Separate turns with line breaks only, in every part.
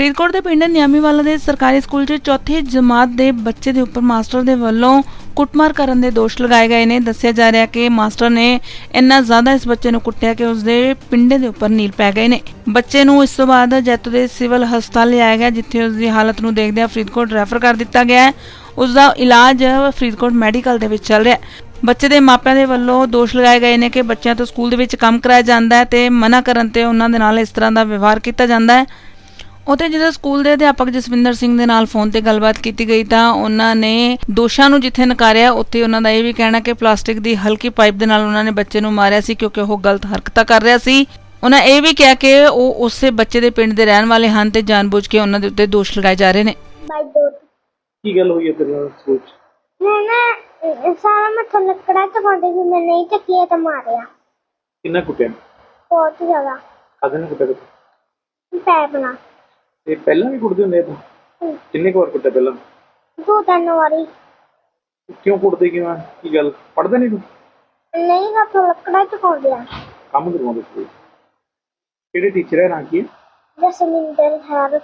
ਫਰੀਦਕੋਟ ਦੇ ਪਿੰਡ ਨਿਆਮੀਵਾਲਾ ਦੇ ਸਰਕਾਰੀ ਸਕੂਲ 'ਚ ਚੌਥੀ ਜਮਾਤ ਦੇ ਬੱਚੇ ਦੇ ਉੱਪਰ ਮਾਸਟਰ ਦੇ ਵੱਲੋਂ ਕੁੱਟਮਾਰ ਕਰਨ ਦੇ ਦੋਸ਼ ਲਗਾਏ ਗਏ ਨੇ। ਦੱਸਿਆ ਜਾ ਰਿਹਾ ਕਿ ਮਾਸਟਰ ਨੇ ਇੰਨਾ ਜ਼ਿਆਦਾ ਇਸ ਬੱਚੇ ਨੂੰ ਕੁੱਟਿਆ ਕਿ ਉਸਦੇ ਪਿੰਡੇ ਦੇ ਉੱਪਰ ਨੀਲ ਪੈ ਗਏ ਨੇ। ਬੱਚੇ ਨੂੰ ਇਸ ਤੋਂ ਬਾਅਦ ਜੈਤੋ ਦੇ ਸਿਵਲ ਹਸਪਤਾਲ ਲਿਆਇਆ ਗਿਆ, ਜਿੱਥੇ ਉਸ ਦੀ ਹਾਲਤ ਨੂੰ ਦੇਖਦਿਆਂ ਫਰੀਦਕੋਟ ਰੈਫਰ ਕਰ ਦਿੱਤਾ ਗਿਆ ਹੈ। ਉਸ ਦਾ ਇਲਾਜ ਫਰੀਦਕੋਟ ਮੈਡੀਕਲ ਦੇ ਵਿੱਚ ਚੱਲ ਰਿਹਾ ਹੈ। ਬੱਚੇ ਦੇ ਮਾਪਿਆਂ ਦੇ ਵੱਲੋਂ ਦੋਸ਼ ਲਗਾਏ ਗਏ ਨੇ ਕਿ ਬੱਚਿਆਂ ਤੋਂ ਸਕੂਲ ਦੇ ਵਿੱਚ ਕੰਮ ਕਰਾਇਆ ਜਾਂਦਾ ਹੈ ਤੇ ਮਨਾ ਕਰਨ ਤੇ ਉਹਨਾਂ ਦੇ ਨਾਲ ਇਸ ਤਰ੍ਹਾਂ ਦਾ ਵਿਵਹਾਰ ਕੀਤਾ ਜਾਂਦਾ ਹੈ। ਉੱਥੇ ਜਦੋਂ ਸਕੂਲ ਦੇ ਅਧਿਆਪਕ ਜਸਵਿੰਦਰ ਸਿੰਘ ਦੇ ਨਾਲ ਫੋਨ ਤੇ ਗੱਲਬਾਤ ਕੀਤੀ ਗਈ ਤਾਂ ਉਹਨਾਂ ਨੇ ਦੋਸ਼ਾਂ ਨੂੰ ਜਿੱਥੇ ਨਕਾਰਿਆ, ਉੱਥੇ ਉਹਨਾਂ ਦਾ ਇਹ ਵੀ ਕਹਿਣਾ ਕਿ ਪਲਾਸਟਿਕ ਦੀ ਹਲਕੀ ਪਾਈਪ ਦੇ ਨਾਲ ਉਹਨਾਂ ਨੇ ਬੱਚੇ ਨੂੰ ਮਾਰਿਆ ਸੀ ਕਿਉਂਕਿ ਉਹ ਗਲਤ ਹਰਕਤਾਂ ਕਰ ਰਿਹਾ ਸੀ। ਉਹਨਾਂ ਇਹ ਵੀ ਕਿਹਾ ਕਿ ਉਹ ਉਸੇ ਬੱਚੇ ਦੇ ਪਿੰਡ ਦੇ ਰਹਿਣ ਵਾਲੇ ਹਨ ਤੇ ਜਾਣਬੁੱਝ ਕੇ ਉਹਨਾਂ ਦੇ ਉੱਤੇ ਦੋਸ਼ ਲਗਾਏ ਜਾ ਰਹੇ ਨੇ।
ਕੀ ਗੱਲ ਹੋਈ ਹੈ ਤੇਰੇ ਨਾਲ ਸਕੂਲ 'ਚ?
मैंने सारा मत्था लकड़ा चकाते भी मैं नहीं चकिया तो मारिया
ਕਿੰਨਾ ਕੁੱਟਿਆ?
बहुत ज्यादा
ਕਾਹਦੇ ਨਾਲ ਕੁੱਟਿਆ ਤੂੰ?
पैप ना
ਇਹ ਪਹਿਲਾਂ ਵੀ ਕੁੱਟਦੇ ਹੁੰਦੇ ਆ ਤੂੰ? ਕਿੰਨੇ ਕੁ ਵਾਰ ਕੁੱਟਿਆ ਪਹਿਲਾਂ?
2-3 वारी
ਕਿਉਂ ਕੁੱਟਦੇ ਕਿਉਂ ਆ? ਕੀ ਗੱਲ ਪੜ੍ਹਦਾ ਨਹੀਂ ਤੂੰ?
नहीं मत्था लकड़ा चकाते
ਕੰਮ ਕਰਵਾਉਂਦੇ ਸਕੂਲ? ਕਿਹੜੇ ਟੀਚਰ ਹੈ, ਨਾਂ ਕੀ ਹੈ?
जसमिंदर है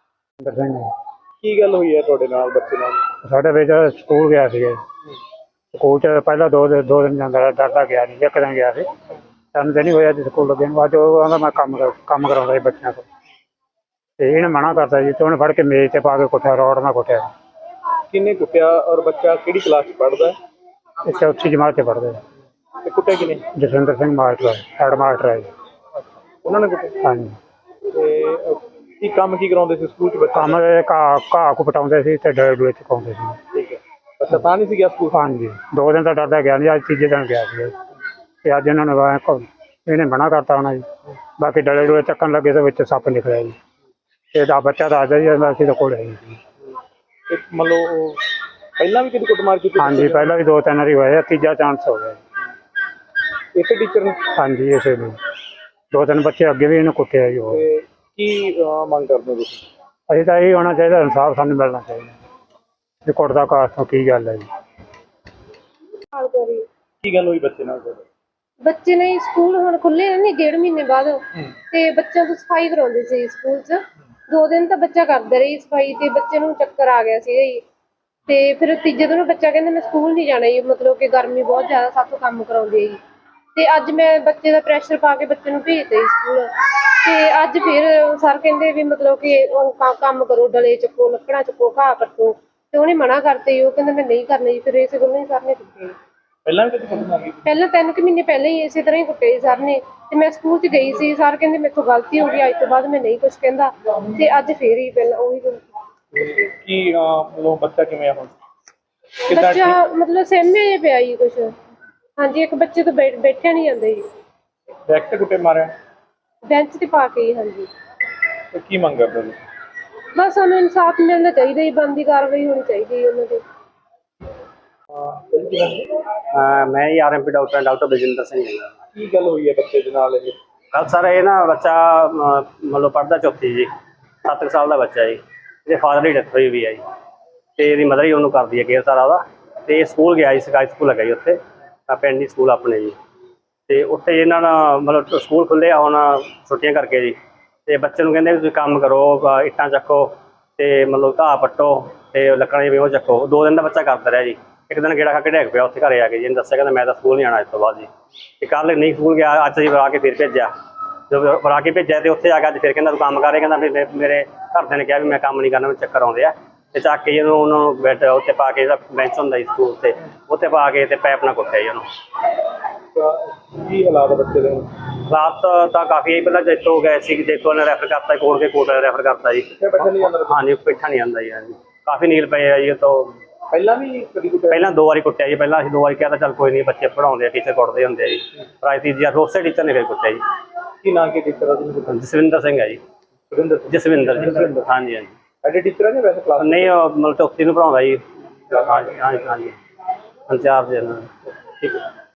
ਕੀ ਗੱਲ ਹੋਈ ਹੈ ਤੁਹਾਡੇ ਨਾਲ ਬੱਚੇ ਨਾਲ?
ਸਾਡੇ ਵਿੱਚ ਸਕੂਲ ਗਿਆ ਸੀ। ਸਕੂਲ 'ਚ ਪਹਿਲਾਂ ਦੋ ਦਿਨ ਜਾਂਦਾ ਰਿਹਾ, ਡਰਦਾ ਗਿਆ ਨਹੀਂ, ਇੱਕ ਦਿਨ ਗਿਆ ਸੀ। 3 ਦਿਨ ਹੀ ਹੋਇਆ ਜੀ ਸਕੂਲ ਲੱਗੇ ਨੂੰ। ਅੱਜ ਉਹ ਕਹਿੰਦਾ ਮੈਂ ਕੰਮ ਕਰਾਉਂਦਾ ਸੀ ਬੱਚਿਆਂ ਤੋਂ, ਤੇ ਇਹਨੇ ਮਨਾ ਕਰਤਾ ਜੀ, ਤੇ ਉਹਨੇ ਫੜ ਕੇ ਮੇਜ਼ 'ਤੇ ਪਾ ਕੇ ਕੁੱਟਿਆ, ਰੋਡ ਨਾਲ ਕੁੱਟਿਆ।
ਕਿੰਨੇ ਕੁੱਟਿਆ ਔਰ ਬੱਚਾ ਕਿਹੜੀ ਕਲਾਸ 'ਚ ਪੜ੍ਹਦਾ ਹੈ?
ਇਹ ਚੌਥੀ ਜਮਾਤ 'ਚ ਪੜ੍ਹਦੇ।
ਤੇ ਕੁੱਟਿਆ ਕਿਨੇ?
Jaswinder Singh master, head master ਹੈ ਜੀ।
ਉਹਨਾਂ ਨੇ ਕੁੱਟਿਆ?
ਹਾਂਜੀ।
ਤੇ ਕੀ ਕੰਮ ਕੀ ਕਰਾਉਂਦੇ ਸੀ ਸਕੂਲ 'ਚ ਬੱਚਾ?
ਕੰਮ ਘਾਹ ਕੁ ਪਟਾਉਂਦੇ ਸੀ ਤੇ ਡਲੇ ਚੁਕਾਉਂਦੇ ਸੀ।
ਠੀਕ ਹੈ। ਬੱਚਾ ਤਾਂ ਨਹੀਂ ਸੀ ਗਿਆ ਸਕੂਲ?
ਹਾਂਜੀ, 2 ਦਿਨ ਤਾਂ ਡਰਦਾ ਗਿਆ ਨਹੀਂ, ਅੱਜ ਤੀਜੇ ਦਿਨ ਗਿਆ ਸੀ। ਤੇ ਅੱਜ ਇਹਨਾਂ ਨੇ ਇਹਨੇ ਮਨਾ ਕਰਤਾ ਹੋਣਾ ਜੀ। ਬਾਕੀ ਡਲੇ ਚੱਕਣ ਲੱਗੇ ਤੇ ਵਿੱਚ ਸੱਪ ਨਿਕਲਿਆ ਜੀ। ਇਹਦਾ ਬੱਚਾ ਦੱਸਦਾ ਜੀ ਅਸੀਂ ਤਾਂ ਕੋਲ ਹੈ ਜੀ।
ਮਤਲਬ ਪਹਿਲਾਂ ਵੀ ਕਦੀ ਕੁੱਟਮਾਰ ਕੀਤੀ?
ਹਾਂਜੀ, ਪਹਿਲਾਂ ਵੀ 2-3 ਵਾਰੀ ਹੋਇਆ, ਤੀਜਾ ਚਾਂਸ ਹੋ ਗਿਆ।
ਇਸੇ ਟੀਚਰ ਨੇ?
ਹਾਂਜੀ, ਇਸੇ ਨੂੰ 2-3 ਬੱਚੇ ਅੱਗੇ ਵੀ ਇਹਨੂੰ ਕੁੱਟਿਆ ਜੀ। ਉਹ
ਤੇ ਕੀ ਮੰਗ ਕਰਦੇ ਹੋ ਤੁਸੀਂ?
ਅਸੀਂ ਤਾਂ ਇਹ ਹੋਣਾ ਚਾਹੀਦਾ, ਇਨਸਾਫ ਸਾਨੂੰ ਮਿਲਣਾ ਚਾਹੀਦਾ। ਇਹ ਕੁੱਟਦਾ ਕਾਸ ਤੋਂ ਕੀ ਗੱਲ ਹੈ ਜੀ?
ਕੀ ਗੱਲ ਹੋਈ ਬੱਚੇ ਨਾਲ ਤੁਹਾਡੇ?
ਬੱਚੇ ਨੇ ਸਕੂਲ ਹੁਣ ਖੁੱਲੇ ਨੇ 1.5 ਮਹੀਨੇ ਬਾਅਦ, ਤੇ ਬੱਚਿਆਂ ਤੋਂ ਸਫਾਈ ਕਰਾਉਂਦੇ ਸੀ ਸਕੂਲ 'ਚ। 2 ਦਿਨ ਤਾਂ ਬੱਚਾ ਕਰਦਾ ਰਹੀ ਸਫਾਈ, ਤੇ ਬੱਚੇ ਨੂੰ ਚੱਕਰ ਆ ਗਿਆ ਸੀਗਾ ਜੀ। ਤੇ ਫਿਰ ਤੀਜੇ ਦਿਨ ਬੱਚਾ ਕਹਿੰਦਾ ਮੈਂ ਸਕੂਲ ਨਹੀਂ ਜਾਣਾ ਜੀ, ਮਤਲਬ ਕਿ ਗਰਮੀ ਬਹੁਤ ਜ਼ਿਆਦਾ, ਸਾਥੋਂ ਕੰਮ ਕਰਾਉਂਦੇ ਜੀ। ਤੇ ਅੱਜ ਮੈਂ ਬੱਚੇ ਦਾ ਪ੍ਰੈਸ਼ਰ ਪਾ ਕੇ ਬੱਚੇ ਨੂੰ ਭੇਜਤਾ ਜੀ ਸਕੂਲ। ਤੇ ਅੱਜ ਫਿਰ ਸਰ ਕਹਿੰਦੇ ਵੀ ਮਤਲਬ ਕਿ ਕੰਮ ਕਰੋ, ਡਲੇ ਚੱਕੋ, ਲੱਕੜਾਂ ਚੱਕੋ, ਘਾਹ ਕੱਟੋ। ਤੇ ਉਹਨੇ ਮਨਾ ਕਰਤੇ ਜੀ, ਉਹ ਕਹਿੰਦਾ ਮੈਂ ਨਹੀਂ ਕਰਨਾ ਜੀ। ਫਿਰ ਇਸੇ ਗੱਲੋਂ ਹੀ ਸਰ ਨੇ ਕੁੱਟਿਆ ਜੀ।
ਪਹਿਲਾਂ ਵੀ ਕਦੀ ਕੁੱਟਮਾਰ ਕੀਤੀ?
ਪਹਿਲਾਂ 3 ਮਹੀਨੇ ਪਹਿਲਾਂ ਹੀ ਇਸੇ ਤਰ੍ਹਾਂ ਹੀ ਕੁੱਟਿਆ ਜੀ ਸਰ ਨੇ। ਤੇ ਮੈਂ ਸਕੂਲ 'ਚ ਗਈ ਸੀ, ਸਰ ਕਹਿੰਦੇ ਮੇਰੇ ਤੋਂ ਗਲਤੀ ਹੋ ਗਈ, ਅੱਜ ਤੋਂ ਬਾਅਦ ਮੈਂ ਨਹੀਂ ਕੁਛ ਕਹਿੰਦਾ। ਤੇ ਅੱਜ ਫੇਰ ਹੀ ਪਹਿਲਾਂ ਉਹੀ
ਕੀ ਮਤਲਬ ਬੱਚਾ ਕਿਵੇਂ ਆ ਹੁਣ?
ਬੱਚਾ ਮਤਲਬ ਸਹਿਮਿਆ ਜਿਹਾ ਪਿਆ ਜੀ ਕੁਛ। ਹਾਂਜੀ, ਇੱਕ ਬੱਚੇ ਤੋਂ ਬੈਠਿਆ ਨਹੀਂ ਜਾਂਦਾ ਜੀ,
ਬੈਕ ਤੇ ਕੁੱਟੇ ਮਾਰਿਆ?
ਬੈਂਚ ਤੇ ਪਾ ਕੇ ਜੀ। ਹਾਂਜੀ।
ਤੇ ਕੀ ਮੰਗ ਕਰਦੇ ਹੋ?
ਬਸ ਸਾਨੂੰ ਇਨਸਾਫ ਮਿਲਣਾ ਚਾਹੀਦਾ ਜੀ, ਬਣਦੀ ਕਾਰਵਾਈ ਹੋਣੀ ਚਾਹੀਦੀ ਜੀ ਉਹਨਾਂ ਦੀ।
ਮੈਂ ਆਰਐਮਪੀ ਡਾਕਟਰ ਬਲਜਿੰਦਰ ਸਿੰਘ ਹਾਂ।
ਕੀ ਗੱਲ ਹੋਈ ਹੈ ਬੱਚੇ ਦੇ ਨਾਲ? ਇਹ
ਕੱਲ੍ਹ ਸਰ ਇਹ ਨਾ ਬੱਚਾ ਮਤਲਬ ਪੜ੍ਹਦਾ ਚੌਥੀ ਜੀ, 7 ਸਾਲ ਦਾ ਬੱਚਾ ਜੀ। ਇਹਦੇ ਫਾਦਰ ਦੀ ਡੈਥ ਹੋਈ ਵੀ ਹੈ ਜੀ, ਅਤੇ ਇਹਦੀ ਮਦਰ ਹੀ ਉਹਨੂੰ ਕਰਦੀ ਹੈ ਕੇਅਰ ਸਾਰਾ ਉਹਦਾ। ਅਤੇ ਇਹ ਸਕੂਲ ਗਿਆ ਜੀ, ਸਰਕਾਰੀ ਸਕੂਲ ਹੈਗਾ ਜੀ ਉੱਥੇ, ਪਿੰਡ ਦੀ ਸਕੂਲ ਆਪਣੇ ਜੀ। ਅਤੇ ਉੱਥੇ ਇਹਨਾਂ ਦਾ ਮਤਲਬ ਸਕੂਲ ਖੁੱਲ੍ਹੇ ਆ ਹੁਣ ਛੁੱਟੀਆਂ ਕਰਕੇ ਜੀ। ਅਤੇ ਬੱਚੇ ਨੂੰ ਕਹਿੰਦੇ ਵੀ ਤੁਸੀਂ ਕੰਮ ਕਰੋ, ਇੱਟਾਂ ਚੱਕੋ, ਅਤੇ ਮਤਲਬ ਘਾਹ ਪੱਟੋ, ਅਤੇ ਲੱਕੜਾਂ ਜਿਹੀਆਂ ਉਹ ਚੱਕੋ। 2 ਦਿਨ ਦਾ ਬੱਚਾ ਕਰਦਾ ਰਿਹਾ ਜੀ। ਇੱਕ ਦਿਨ ਗੇੜਾ ਖਾ ਕੇ ਡਿੱਗ ਪਿਆ ਉੱਥੇ ਘਰੇ ਆ ਕੇ ਜੀ। ਇਹਨੂੰ ਦੱਸਿਆ ਕਹਿੰਦਾ ਮੈਂ ਤਾਂ ਸਕੂਲ ਨਹੀਂ ਆਉਣਾ ਇਸ ਤੋਂ ਬਾਅਦ ਜੀ। ਅਤੇ ਕੱਲ੍ਹ ਨਹੀਂ ਸਕੂਲ ਗਿਆ, ਅੱਜ ਅਸੀਂ ਬੁਲਾ ਕੇ ਫਿਰ ਭੇਜਿਆ। ਜਦੋਂ ਬੁਲਾ ਕੇ ਭੇਜਿਆ ਅਤੇ ਉੱਥੇ ਆ ਕੇ ਅੱਜ ਫਿਰ ਕਹਿੰਦਾ ਤੂੰ ਕੰਮ ਕਰ ਰਿਹਾ। ਕਹਿੰਦਾ ਵੀ ਮੇਰੇ ਘਰਦਿਆਂ ਨੇ ਕਿਹਾ ਵੀ ਮੈਂ ਕੰਮ ਨਹੀਂ ਕਰਨਾ, ਮੈਨੂੰ ਚੱਕਰ ਆਉਂਦੇ ਆ। ਅਤੇ ਚੱਕ ਕੇ ਉਹਨੂੰ ਬੈੱਡ ਉੱਤੇ ਪਾ ਕੇ, ਜਿਹੜਾ ਬੈਂਚ ਹੁੰਦਾ ਜੀ ਸਕੂਲ 'ਤੇ, ਉੱਥੇ ਪਾ ਕੇ ਅਤੇ ਪੈਪ ਨਾਲ ਕੁੱਟਿਆ ਜੀ ਉਹਨੂੰ।
ਕੀ ਹਾਲਾਤ ਬੱਚੇ ਦੇ?
ਹਾਲਾਤ ਤਾਂ ਕਾਫੀ ਹੈ। ਪਹਿਲਾਂ ਜੈਤੋ ਗਏ ਸੀ, ਜੈਤੋ ਨੇ ਰੈਫਰ ਕਰਤਾ, ਕੋਟ ਰੈਫਰ ਕਰਤਾ ਜੀ।
ਬੈਠਾ ਨਹੀਂ ਜਾਂਦਾ?
ਹਾਂਜੀ, ਬੈਠਾ ਨਹੀਂ ਜਾਂਦਾ ਜੀ। ਹਾਂਜੀ, ਕਾਫੀ ਨੀਲ ਪਏ ਆ ਜੀ। ਤੋਂ
ਪਹਿਲਾਂ ਵੀ ਕਦੀ ਕੁੱਟਿਆ?
ਪਹਿਲਾਂ 2 ਵਾਰੀ ਕੁੱਟਿਆ ਜੀ। ਪਹਿਲਾਂ ਅਸੀਂ 2 ਵਾਰੀ ਕਿਹਾ ਤਾਂ ਚੱਲ ਕੋਈ ਨਹੀਂ, ਬੱਚੇ ਪੜ੍ਹਾਉਂਦੇ ਆ, ਟੀਚਰ ਕੁੱਟਦੇ ਹੁੰਦੇ ਆ ਜੀ। ਪਰ ਅੱਜ ਤੀਜੀ ਵਾਰ ਉਸੇ ਟੀਚਰ ਨੇ ਫਿਰ ਕੁੱਟਿਆ ਜੀ।
ਕੀ ਨਾਂ ਕੀ ਟੀਚਰ ਆ ਜਿਹਨੂੰ?
ਜਸਵਿੰਦਰ ਸਿੰਘ ਹੈ ਜੀ। ਜਸਵਿੰਦਰ ਜੀ। ਹਾਂਜੀ ਹਾਂਜੀ।
ਸਾਡੇ ਟੀਚਰ ਆ ਜਾਂ ਵੈਸੇ ਕਲਾਸ?
ਨਹੀਂ, ਉਹ ਮਤਲਬ ਚੌਥੀ ਨੂੰ ਪੜ੍ਹਾਉਂਦਾ ਜੀ। ਹਾਂਜੀ ਹਾਂਜੀ ਹਾਂਜੀ, ਇੰਚਾਰਜ। ਠੀਕ ਹੈ।